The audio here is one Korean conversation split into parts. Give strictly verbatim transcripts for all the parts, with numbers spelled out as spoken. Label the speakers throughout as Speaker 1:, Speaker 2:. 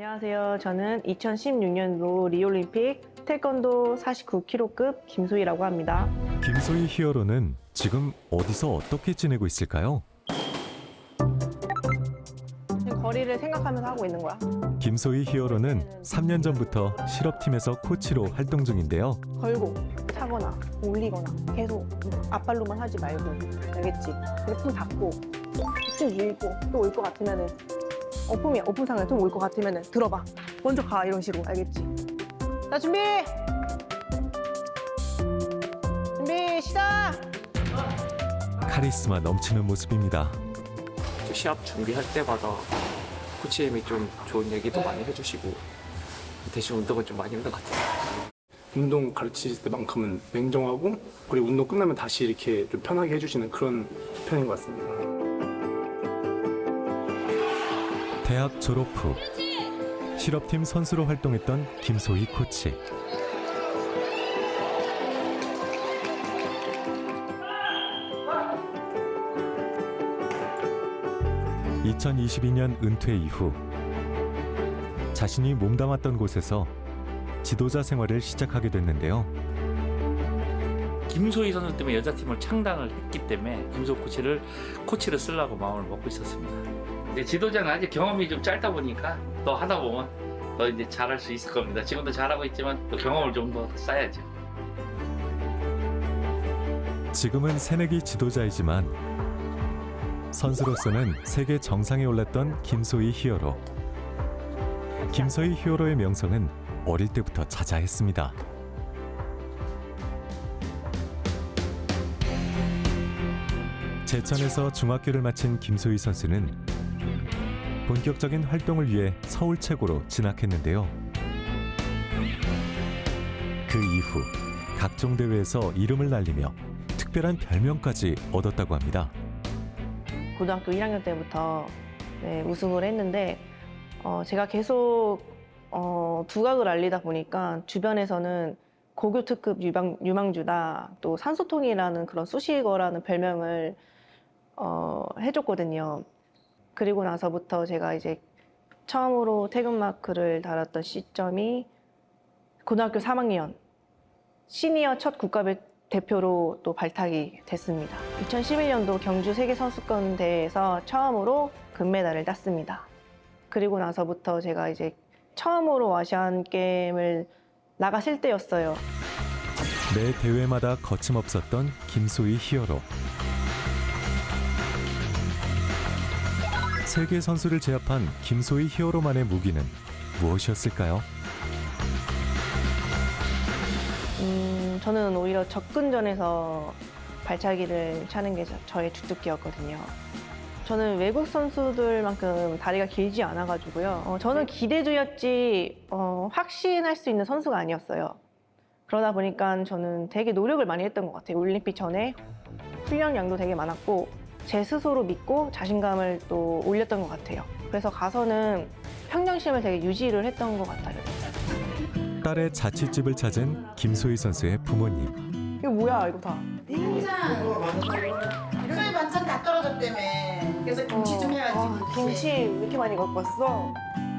Speaker 1: 안녕하세요. 저는 이천십육 년도 리올림픽 태권도 사십구 킬로그램급 김소희라고 합니다.
Speaker 2: 김소희 히어로는 지금 어디서 어떻게 지내고 있을까요?
Speaker 1: 지금 거리를 생각하면서 하고 있는 거야.
Speaker 2: 김소희 히어로는 삼 년 전부터 실업팀에서 코치로 활동 중인데요.
Speaker 1: 걸고 차거나 올리거나 계속 앞발로만 하지 말고, 알겠지? 근데 품 닫고 쭉 밀고 또 올 것 같으면은 어품이야. 어품 상에 좀 올 것 같으면은 들어봐. 먼저 가. 이런 식으로. 알겠지? 자, 준비! 준비 시작!
Speaker 2: 카리스마 넘치는 모습입니다.
Speaker 3: 시합 준비할 때마다 코치님이 좀 좋은 얘기도 많이 해주시고 대신 운동은 좀 많이 힘든 것 같아요.
Speaker 4: 운동 가르치실 때만큼은 냉정하고 그리고 운동 끝나면 다시 이렇게 좀 편하게 해주시는 그런 편인 것 같습니다.
Speaker 2: 대학 졸업 후 실업팀 선수로 활동했던 김소희 코치. 이천이십이 년 은퇴 이후 자신이 몸담았던 곳에서 지도자 생활을 시작하게 됐는데요.
Speaker 5: 김소희 선수 때문에 여자팀을 창단을 했기 때문에 김소 코치를 코치를 쓰려고 마음을 먹고 있었습니다. 근데 지도자는 아직 경험이 좀 짧다 보니까 더 하다 보면 더 이제 잘할 수 있을 겁니다. 지금도 잘하고 있지만 또 경험을 좀 더 쌓아야죠.
Speaker 2: 지금은 새내기 지도자이지만 선수로서는 세계 정상에 올랐던 김소희 히어로. 김소희 히어로의 명성은 어릴 때부터 자자했습니다. 제천에서 중학교를 마친 김소희 선수는 본격적인 활동을 위해 서울 최고로 진학했는데요. 그 이후 각종 대회에서 이름을 날리며 특별한 별명까지 얻었다고 합니다.
Speaker 1: 고등학교 일 학년 때부터 네, 우승을 했는데 어, 제가 계속 어, 두각을 알리다 보니까 주변에서는 고교 특급 유망, 유망주다, 또 산소통이라는 그런 수식어라는 별명을 어, 해줬거든요. 그리고 나서부터 제가 이제 처음으로 태극마크를 달았던 시점이 고등학교 삼 학년 시니어 첫 국가대 대표로 또 발탁이 됐습니다. 이천십일 년도 경주 세계선수권대회에서 처음으로 금메달을 땄습니다. 그리고 나서부터 제가 이제 처음으로 아시안 게임을 나갔을 때였어요.
Speaker 2: 매 대회마다 거침없었던 김소희 히어로. 세계 선수를 제압한 김소희 히어로만의 무기는 무엇이었을까요?
Speaker 1: 음, 저는 오히려 접근전에서 발차기를 차는 게 저- 저의 주특기였거든요. 저는 외국 선수들만큼 다리가 길지 않아가지고요. 어, 저는 기대주였지 어, 확신할 수 있는 선수가 아니었어요. 그러다 보니까 저는 되게 노력을 많이 했던 것 같아요. 올림픽 전에 훈련량도 되게 많았고 제 스스로 믿고 자신감을 또 올렸던 것 같아요. 그래서 가서는 평정심을 되게 유지를 했던 것 같아요.
Speaker 2: 딸의 자취집을 찾은 김소희 선수의 부모님.
Speaker 1: 이거 뭐야 이거 다.
Speaker 6: 냉장 요새 반찬 다 떨어졌다며. 그래서 김치 좀 해야지.
Speaker 1: 어, 김치 왜 이렇게 많이 갖고 왔어?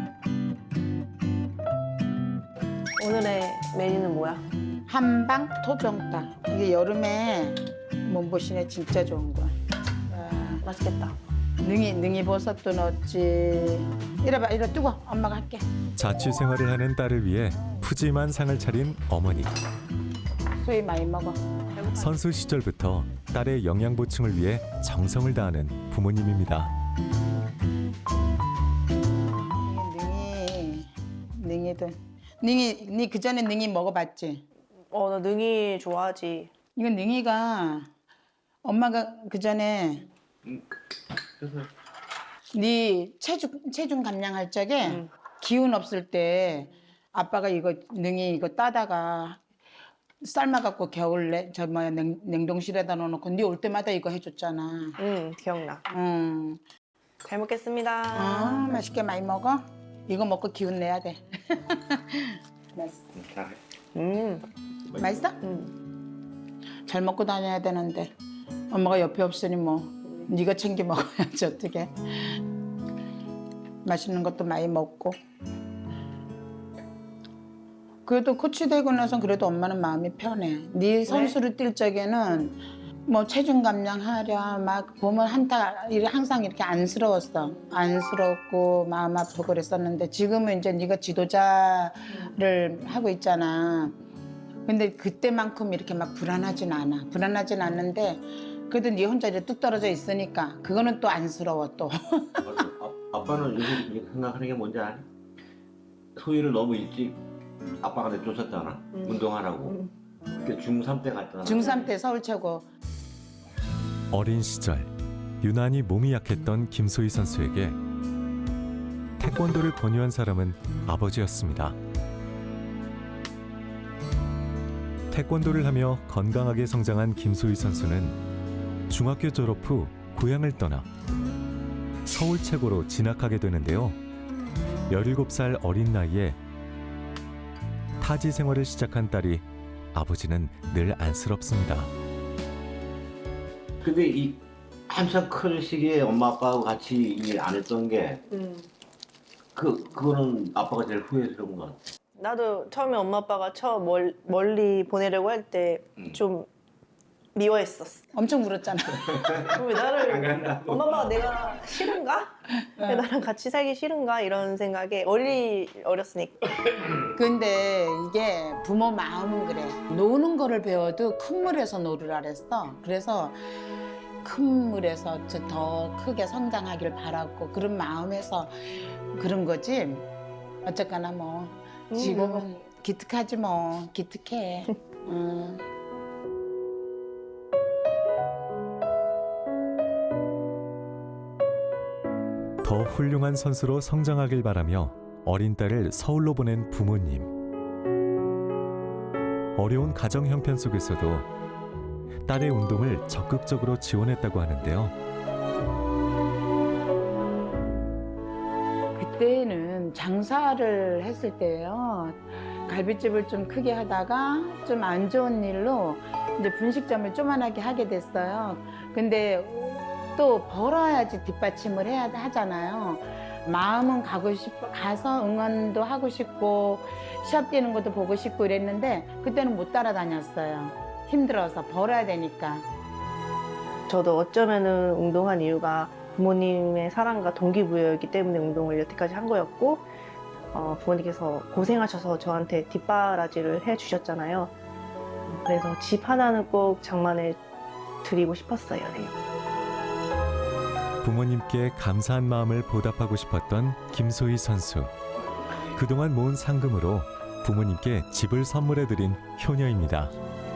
Speaker 1: 오늘의 메뉴는 뭐야?
Speaker 6: 한방 토종닭. 이게 여름에 몸보신에 진짜 좋은 거야.
Speaker 1: 맛있겠다.
Speaker 6: 능이 능이 버섯도 넣었지. 이래봐, 이래 두고 엄마가 할게.
Speaker 2: 자취 생활을 하는 딸을 위해 푸짐한 상을 차린 어머니.
Speaker 6: 수위 많이 먹어.
Speaker 2: 선수 시절부터 딸의 영양 보충을 위해 정성을 다하는 부모님입니다.
Speaker 6: 능이 능이도 능이 니 그 전에 능이 먹어봤지?
Speaker 1: 어, 나 능이 좋아하지.
Speaker 6: 이건 능이가 엄마가 그 전에 네 체중 체중 감량할 적에
Speaker 1: 음.
Speaker 6: 기운 없을 때 아빠가 이거 능이 이거 따다가 삶아갖고 겨울에 저 뭐야 냉, 냉동실에다 넣어놓고 네 올 때마다 이거 해줬잖아.
Speaker 1: 응, 기억나.
Speaker 6: 음,
Speaker 1: 잘 먹겠습니다.
Speaker 6: 아 맛있게 많이 먹어. 이거 먹고 기운 내야 돼. 맛있어.
Speaker 1: 음,
Speaker 6: 맛있어?
Speaker 1: 음.
Speaker 6: 잘 먹고 다녀야 되는데 엄마가 옆에 없으니 뭐 네가 챙겨 먹어야지 어떻게. 맛있는 것도 많이 먹고 그래도 코치 되고 나서 그래도 엄마는 마음이 편해. 네 선수를 뛸 적에는 뭐 체중 감량하랴 막 보면 한타 이렇게 항상 이렇게 안쓰러웠어. 안쓰럽고 마음 아프고 그랬었는데 지금은 이제 네가 지도자를 하고 있잖아. 근데 그때만큼 이렇게 막 불안하진 않아. 불안하진 않는데 그래도 네 혼자 이제 뚝 떨어져 있으니까 그거는 또 안쓰러워 또.
Speaker 7: 아, 아빠는 요즘 생각하는 게 뭔지 아니? 소희를 너무 일찍 아빠가 내쫓았잖아.
Speaker 1: 음.
Speaker 7: 운동하라고.
Speaker 1: 음.
Speaker 7: 그때 중삼 때 갔잖아.
Speaker 6: 중삼 때 서울 최고.
Speaker 2: 어린 시절 유난히 몸이 약했던 김소희 선수에게 태권도를 권유한 사람은 아버지였습니다. 태권도를 하며 건강하게 성장한 김소희 선수는 중학교 졸업 후 고향을 떠나 서울 최고로 진학하게 되는데요. 열일곱 살 어린 나이에 타지 생활을 시작한 딸이 아버지는 늘 안쓰럽습니다.
Speaker 7: 근데 이 한참 큰 시기에 엄마 아빠하고 같이 일 안 했던 게
Speaker 1: 음.
Speaker 7: 그, 그거는 아빠가 제일 후회스러운 것 같아.
Speaker 1: 나도 처음에 엄마 아빠가 처음 멀, 멀리 보내려고 할 때 좀 미워했었어.
Speaker 6: 엄청 울었잖아.
Speaker 1: 왜 나를 엄마 아빠가 내가 싫은가? 왜 나랑 같이 살기 싫은가? 이런 생각에 어리 어렸으니까.
Speaker 6: 근데 이게 부모 마음은 그래. 노는 거를 배워도 큰 물에서 놀으라 그랬어. 그래서 큰 물에서 저 더 크게 성장하길 바랐고 그런 마음에서 그런 거지. 어쨌거나 뭐
Speaker 1: 음,
Speaker 6: 지금은
Speaker 1: 뭐.
Speaker 6: 기특하지 뭐. 기특해. 음.
Speaker 2: 더 훌륭한 선수로 성장하길 바라며 어린 딸을 서울로 보낸 부모님. 어려운 가정 형편 속에서도 딸의 운동을 적극적으로 지원했다고 하는데요.
Speaker 6: 그때는 장사를 했을 때예요. 갈비집을 좀 크게 하다가 좀 안 좋은 일로 이제 분식점을 조그만하게 하게 됐어요. 근데 또 벌어야지 뒷받침을 해야 하잖아요. 마음은 가고 싶어 가서 응원도 하고 싶고 시합 뛰는 것도 보고 싶고 이랬는데 그때는 못 따라다녔어요. 힘들어서 벌어야 되니까.
Speaker 1: 저도 어쩌면은 운동한 이유가 부모님의 사랑과 동기부여이기 때문에 운동을 여태까지 한 거였고 어, 부모님께서 고생하셔서 저한테 뒷바라지를 해주셨잖아요. 그래서 집 하나는 꼭 장만해 드리고 싶었어요. 네.
Speaker 2: 부모님께 감사한 마음을 보답하고 싶었던 김소희 선수. 그동안 모은 상금으로 부모님께 집을 선물해드린 효녀입니다.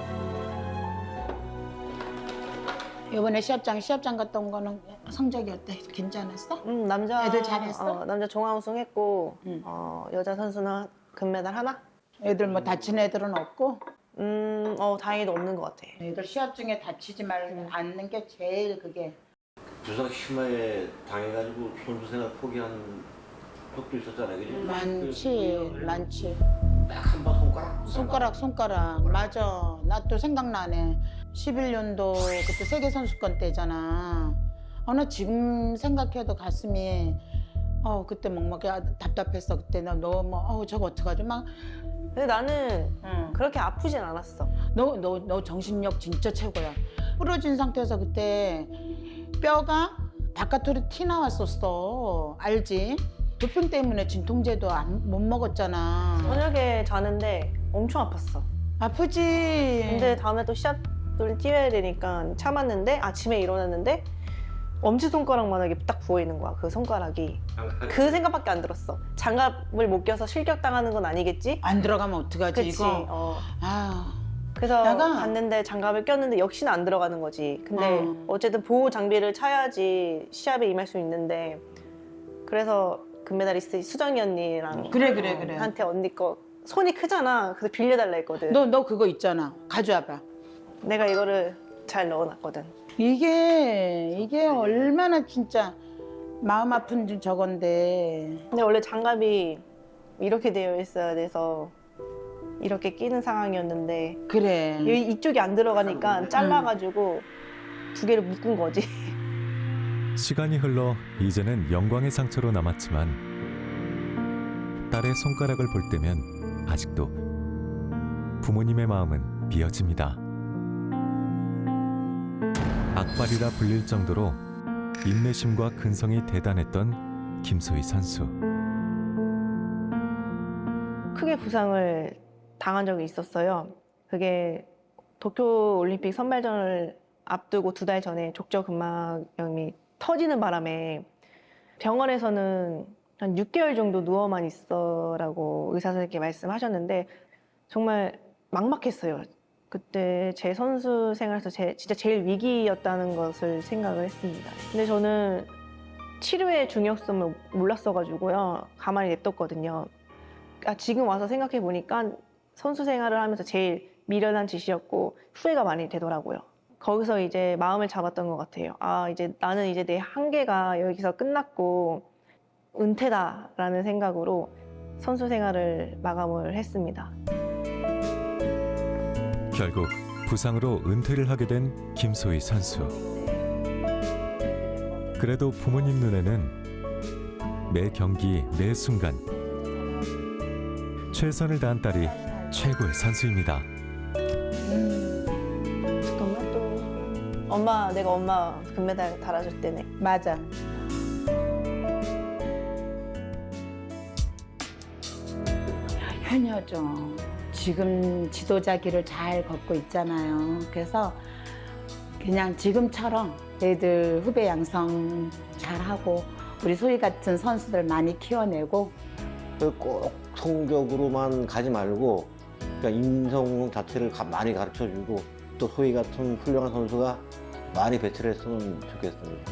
Speaker 6: 이번에 시합장 시합장 갔다 온 거는 성적이 어때? 괜찮았어?
Speaker 1: 음, 남자
Speaker 6: 애들 잘했어?
Speaker 1: 어, 남자 종합 우승했고
Speaker 6: 응.
Speaker 1: 어, 여자 선수는 금메달 하나?
Speaker 6: 애들 뭐 다친 애들은 없고?
Speaker 1: 음, 어, 다행히도 없는 것 같아.
Speaker 6: 애들 시합 중에 다치지 말 않는 게 제일 그게.
Speaker 7: 부상 심하게 당해가지고 선수 생활 포기한 적도 있었잖아요, 그지?
Speaker 6: 많지, 많지.
Speaker 7: 딱 한 번 손가락.
Speaker 6: 손가락, 손가락. 맞아. 나 또 생각나네. 십일 년도 그때 세계선수권 때잖아. 어, 나 지금 생각해도 가슴이, 어, 그때 막, 막 답답했어. 그때 나 너무, 어, 저거 어떡하지? 막,
Speaker 1: 근데 나는
Speaker 6: 응.
Speaker 1: 그렇게 아프진 않았어.
Speaker 6: 너, 너, 너 정신력 진짜 최고야. 부러진 상태에서 그때 뼈가 바깥으로 티 나왔었어. 알지? 도핑 때문에 진통제도 안, 못 먹었잖아.
Speaker 1: 저녁에 자는데 엄청 아팠어.
Speaker 6: 아프지?
Speaker 1: 근데 다음에 또 시합을 뛰어야 되니까 참았는데 아침에 일어났는데 엄지손가락만하게 딱 부어있는 거야. 그 손가락이. 그 생각밖에 안 들었어. 장갑을 못 껴서 실격당하는 건 아니겠지?
Speaker 6: 안 들어가면 어떡하지,
Speaker 1: 그치.
Speaker 6: 이거?
Speaker 1: 어.
Speaker 6: 아,
Speaker 1: 그래서
Speaker 6: 내가-
Speaker 1: 갔는데 장갑을 꼈는데 역시나 안 들어가는 거지. 근데
Speaker 6: 어.
Speaker 1: 어쨌든 보호 장비를 차야지 시합에 임할 수 있는데 그래서 금메달리스트 수정이 언니랑
Speaker 6: 그래, 그래, 그래.
Speaker 1: 한테 언니 거 손이 크잖아. 그래서 빌려달라 했거든.
Speaker 6: 너, 너 그거 있잖아. 가져와봐.
Speaker 1: 내가 이거를 잘 넣어놨거든.
Speaker 6: 이게, 이게 얼마나 진짜 마음 아픈 저건데.
Speaker 1: 근데 원래 장갑이 이렇게 되어 있어야 돼서 이렇게 끼는 상황이었는데
Speaker 6: 그래.
Speaker 1: 이- 이쪽이 안 들어가니까 잘라가지고 두 개를 묶은 거지.
Speaker 2: 시간이 흘러 이제는 영광의 상처로 남았지만 딸의 손가락을 볼 때면 아직도 부모님의 마음은 비어집니다. 악발이라 불릴 정도로 인내심과 근성이 대단했던 김소희 선수.
Speaker 1: 크게 부상을 당한 적이 있었어요. 그게 도쿄올림픽 선발전을 앞두고 두 달 전에 족저근막염이 터지는 바람에 병원에서는 한 육 개월 정도 누워만 있어라고 의사 선생님께 말씀하셨는데 정말 막막했어요. 그때 제 선수 생활에서 제, 진짜 제일 위기였다는 것을 생각을 했습니다. 근데 저는 치료의 중요성을 몰랐어가지고요. 가만히 냅뒀거든요. 아, 지금 와서 생각해 보니까 선수 생활을 하면서 제일 미련한 짓이었고 후회가 많이 되더라고요. 거기서 이제 마음을 잡았던 것 같아요. 아, 이제 나는 이제 내 한계가 여기서 끝났고 은퇴다라는 생각으로 선수 생활을 마감을 했습니다.
Speaker 2: 결국 부상으로 은퇴를 하게 된 김소희 선수. 그래도 부모님 눈에는 매 경기, 매 순간 최선을 다한 딸이 최고의 선수입니다.
Speaker 1: 엄마 또 엄마 내가 엄마 금메달 달아줄 때네.
Speaker 6: 맞아. 효녀죠. 지금 지도자 길을 잘 걷고 있잖아요. 그래서 그냥 지금처럼 애들 후배 양성 잘하고 우리 소희 같은 선수들 많이 키워내고
Speaker 7: 꼭 성적으로만 가지 말고 그러니까 인성 자체를 가- 많이 가르쳐주고 또 소희 같은 훌륭한 선수가 많이 배출을 했으면 좋겠습니다.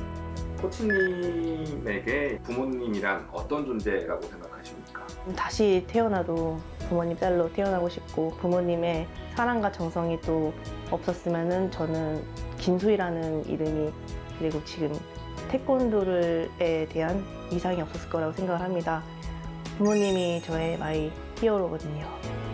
Speaker 8: 코치님에게 부모님이란 어떤 존재라고 생각하십니까?
Speaker 1: 다시 태어나도 부모님 딸로 태어나고 싶고 부모님의 사랑과 정성이 또 없었으면은 저는 김소희라는 이름이 그리고 지금 태권도에 대한 이상이 없었을 거라고 생각을 합니다. 부모님이 저의 마이 히어로거든요.